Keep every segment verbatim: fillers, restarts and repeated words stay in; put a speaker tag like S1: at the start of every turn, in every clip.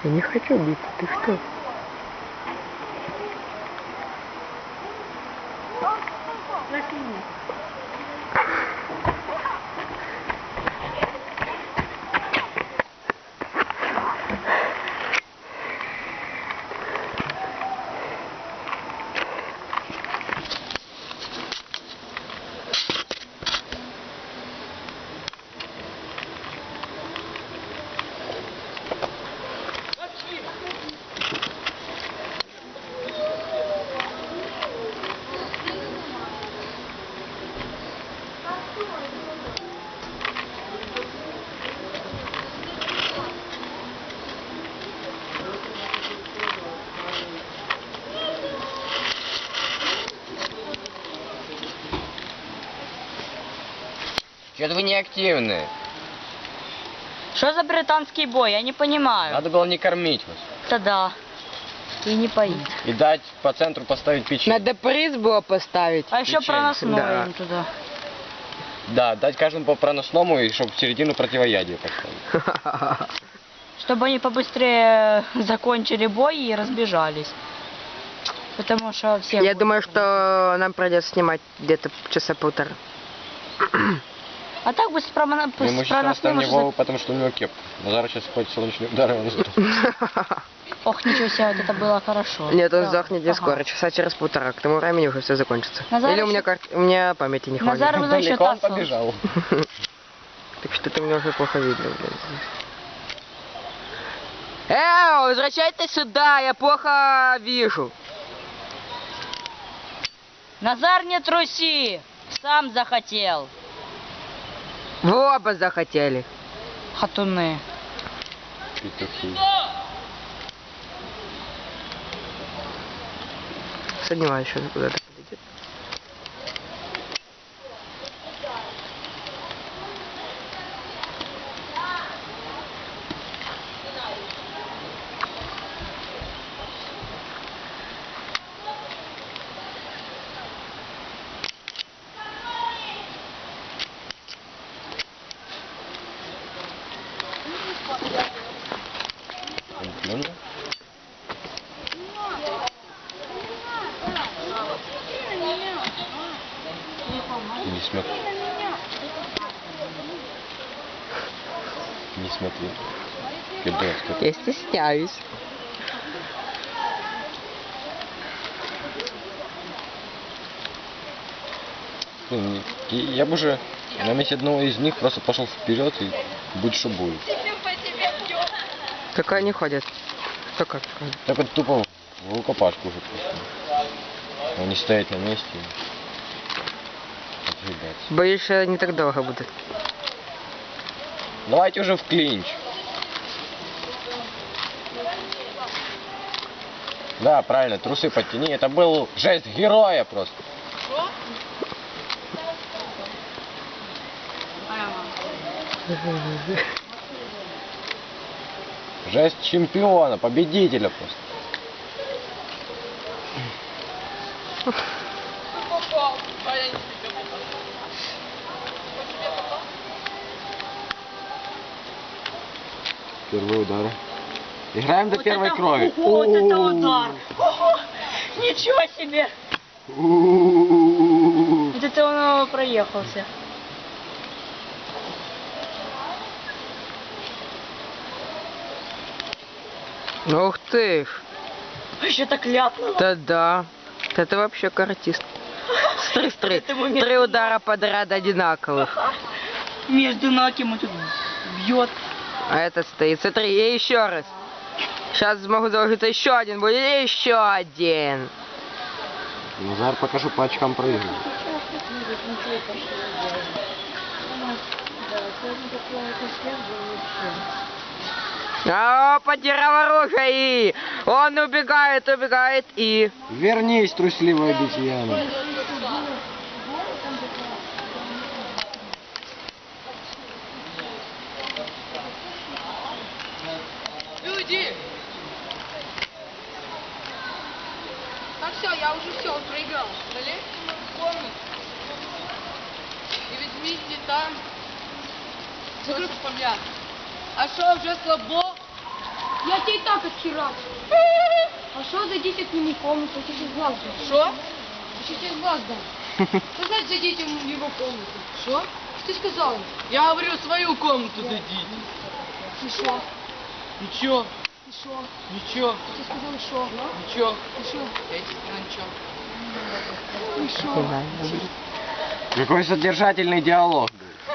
S1: Я не хочу биться, ты что?
S2: Что-то вы не активны.
S3: Что за британский бой? Я не понимаю.
S2: Надо было не кормить вас.
S3: Да-да. И не поить.
S2: И дать по центру поставить печенье.
S1: Надо приз было поставить.
S3: А еще
S2: Печенье.
S3: проносное
S1: Да.
S3: им туда.
S2: Да, дать каждому по проносному, и чтобы в середину противоядие поставить.
S3: Чтобы они побыстрее закончили бой и разбежались. Потому что все...
S1: Я думаю, что нам придется снимать где-то часа полтора.
S3: А так бы с, промона...
S2: Мы ему
S3: с
S2: сейчас
S3: проносным
S2: оставим
S3: уже...
S2: Вову, потому что у него кепка. Назар сейчас хоть солнечный удар, и он сдохнет.
S3: Ох, ничего себе, вот это было хорошо.
S1: Нет, он
S3: Да.
S1: сдохнет не
S3: Ага.
S1: скоро, часа через полтора. К тому времени уже все закончится.
S3: Назар
S1: Или у
S3: еще-
S1: меня, кар... у меня памяти не хватит.
S3: Назар уже еще
S2: Далеко он
S3: тасс.
S2: побежал.
S1: Так что ты меня уже плохо видно, блин. Эй, возвращайтесь сюда, я плохо вижу.
S3: Назар, не труси! Сам захотел.
S1: Вы оба захотели.
S3: Хатуны.
S2: Петухи.
S1: Сомневаюсь, что куда-то подойдет.
S2: Он плюнул? Не смотри. Не смотри. Пидорас, как-
S1: Я стесняюсь.
S2: Блин, и- Я бы уже на месте одного из них просто пошел вперед и будь что будет.
S1: Как они ходят? Кто как ходит?
S2: Так вот тупо в рукопашку уже просто. Они стоят на месте и отъебаться.
S1: Боюсь, что не так долго будут.
S2: Давайте уже в клинч. Да, правильно, трусы подтяни. Это был жест героя просто. Жест чемпиона, победителя просто. Первый удар. Играем до
S3: Вот
S2: первой
S3: это-
S2: крови.
S3: Вот это удар! Ого, ничего себе!
S2: У-у-у-у-у-у.
S3: Вот это он проехался.
S1: Ух ты ж.
S3: Еще так ляпнуло.
S1: Да-да. Это вообще каратист. Смотри, смотри.
S3: Это ему между
S1: Три удара подряд одинаковых.
S3: Между ног ему тут бьет.
S1: А этот стоит. Смотри, и еще раз. Сейчас смогу заложиться еще один будет. И еще один.
S2: Назар, покажу по очкам проигрывает.
S1: А, потерял оружие и он убегает, убегает и...
S2: Вернись, трусливая обезьяна.
S4: Люди! Так все, я уже все, он проиграл. Залезьте в комнату. И возьмите там то, что помят. А что, уже слабо? Я тебе и так отхерачу. А что зайдите к нему в комнату, я тебе глаз дам. Что? Я тебе глаз дам. Что значит зайдите в его комнату? Что? Что ты сказал?
S5: Я говорю, свою комнату дадите.
S4: Ты что?
S5: Ничего,
S4: Ты что?
S5: ничего,
S4: Ты сказал что?
S5: ничего.
S4: Ты что?
S5: Я тебе сказал ничего.
S4: Ты что?
S2: Какой содержательный диалог.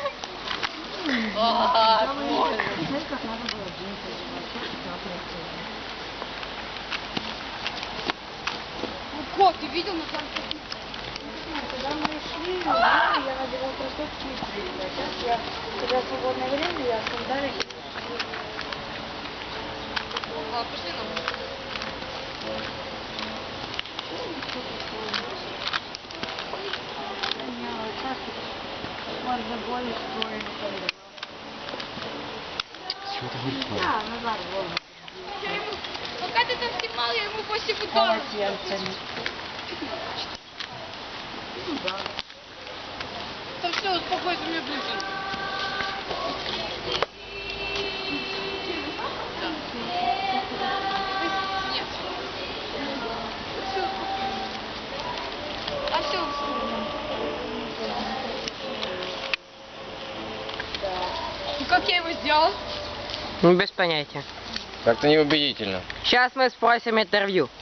S4: Ну, кот, ты видел на там?
S6: Когда мы шли, я надевал кроссовки и туфли. А сейчас я, когда свободное время, я в сандалиях.
S4: А, пошли нам.
S6: А, назад, вон.
S4: Я ему, пока ты там снимал, я ему после футбола. Там все, успокойся, мне ближе. Да. Нет. Все, а все, ну как я его сделал?
S1: Ну, без понятия.
S2: Как-то неубедительно.
S1: Сейчас мы спросим интервью.